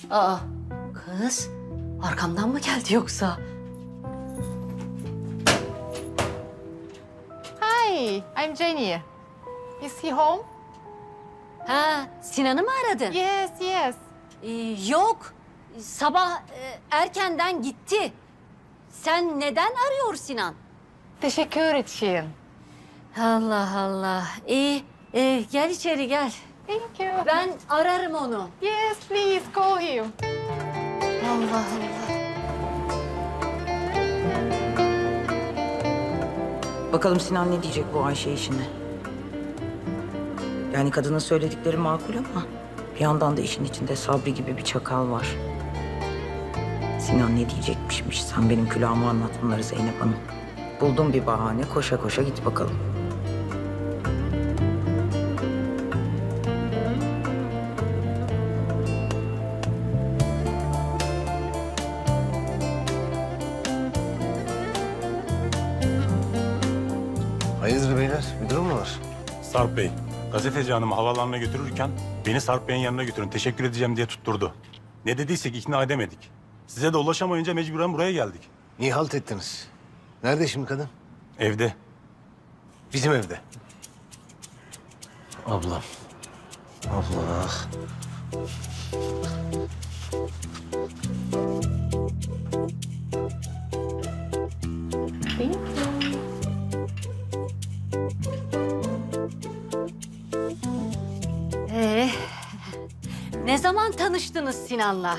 Aa, kız arkamdan mı geldi yoksa? Hi, I'm Jenny. Is he home? Ha, Sinan'ı mı aradın? Yes, yes. Yok, sabah erkenden gitti. Sen neden arıyor Sinan? Teşekkür için. Allah Allah. İyi, gel içeri gel. Thank you. Ben ararım onu. Yes, please call him. Allah Allah. Bakalım Sinan ne diyecek bu Ayşe işine? Yani kadının söyledikleri makul ama bir yandan da işin içinde Sabri gibi bir çakal var. Sinan ne diyecekmişmiş? Sen benim külahıma anlat bunları Zeynep Hanım. Buldum bir bahane, koşa koşa git bakalım. Hayırdır beyler? Bir durum mu var? Sarp Bey, gazeteci hanımı havaalanına götürürken beni Sarp Bey'in yanına götürün, teşekkür edeceğim diye tutturdu. Ne dediysek ikna edemedik. Size de ulaşamayınca mecburen buraya geldik. Niye halt ettiniz? Nerede şimdi kadın? Evde. Bizim evde. Ablam. Abla. Thank you. Ne zaman tanıştınız Sinan'la?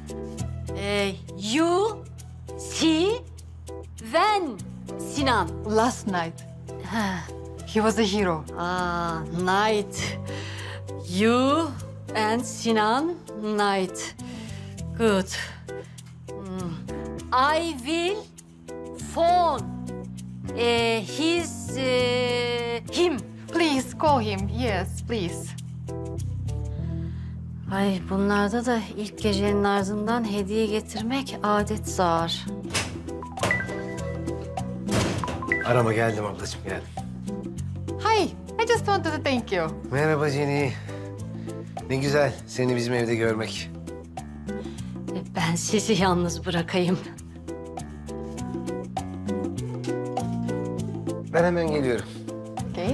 You see when Sinan. Last night, Ha, he was a hero. night. You and Sinan night. Good. I will phone him. Please call him. Yes, please. Ay bunlarda da ilk gecenin ardından hediye getirmek adet zar. Arama geldim ablacığım geldim. Hi, I just wanted to thank you. Merhaba Jenny. Ne güzel seni bizim evde görmek. Ben sizi yalnız bırakayım. Ben hemen geliyorum. Okay.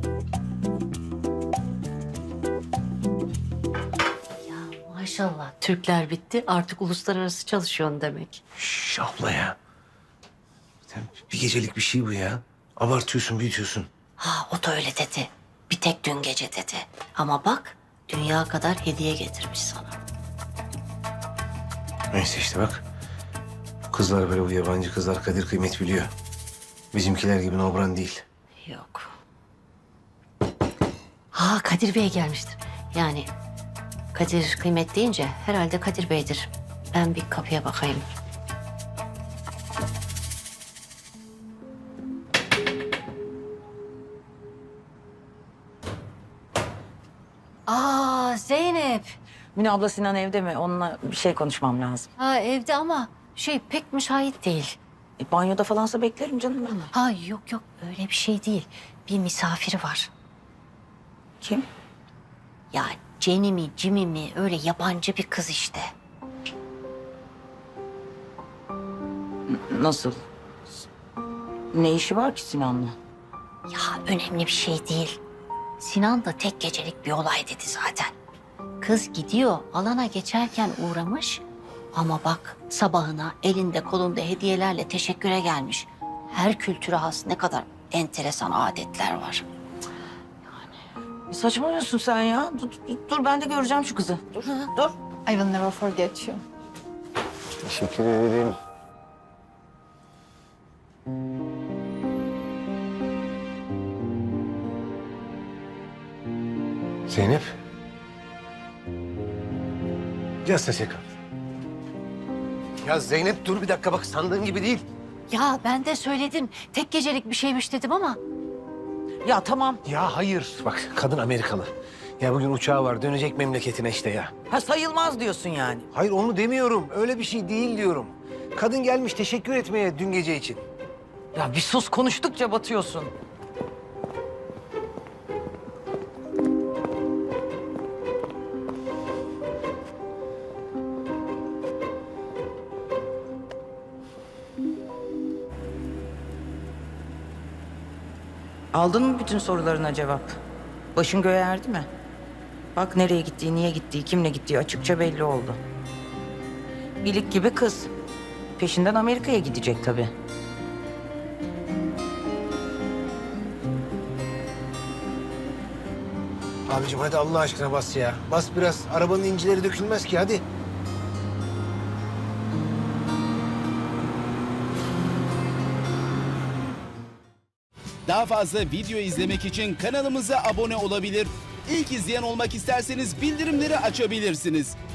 Maşallah Türkler bitti artık uluslararası çalışıyorsun demek. Şş abla ya. Sen bir gecelik bir şey bu ya. Abartıyorsun, büyütüyorsun. Ha o da öyle dedi. Bir tek dün gece dedi. Ama bak dünya kadar hediye getirmiş sana. Neyse işte bak. Bu kızlar böyle bu yabancı kızlar kadir kıymet biliyor. Bizimkiler gibi nobran değil. Yok. Ha Kadir Bey gelmiştir. Yani Kadir kıymet deyince herhalde Kadir Bey'dir. Ben bir kapıya bakayım. Zeynep. Mine abla Sinan evde mi? Onunla bir şey konuşmam lazım. Ha evde ama pek müsait değil. Banyoda falansa beklerim canım ben. Ha yok öyle bir şey değil. Bir misafiri var. Kim? Ya Jenny mi Jimmy mi öyle yabancı bir kız işte. Nasıl? Ne işi var ki Sinan'la? Ya önemli bir şey değil. Sinan da tek gecelik bir olay dedi zaten. Kız gidiyor alana geçerken uğramış. Ama bak sabahına elinde kolunda hediyelerle teşekküre gelmiş. Her kültüre has ne kadar enteresan adetler var. Saçmalıyorsun sen ya. Dur ben de göreceğim şu kızı. Dur. I will never forget you. Teşekkür ederim. Zeynep. Just a second. Ya Zeynep dur bir dakika bak sandığın gibi değil. Ya ben de söyledim tek gecelik bir şeymiş dedim ama. Ya tamam. Ya hayır. Bak kadın Amerikalı. Ya bugün uçağı var dönecek memleketine işte ya. Ha sayılmaz diyorsun yani. Hayır onu demiyorum. Öyle bir şey değil diyorum. Kadın gelmiş teşekkür etmeye dün gece için. Ya bir sus konuştukça batıyorsun. Aldın mı bütün sorularına cevap? Başın göğe erdi mi? Bak nereye gittiği, niye gittiği, kimle gittiği açıkça belli oldu. İlik gibi kız. Peşinden Amerika'ya gidecek tabii. Abicim hadi Allah aşkına bas ya. Bas biraz. Arabanın incileri dökülmez ki hadi. Daha fazla video izlemek için kanalımıza abone olabilir. İlk izleyen olmak isterseniz bildirimleri açabilirsiniz.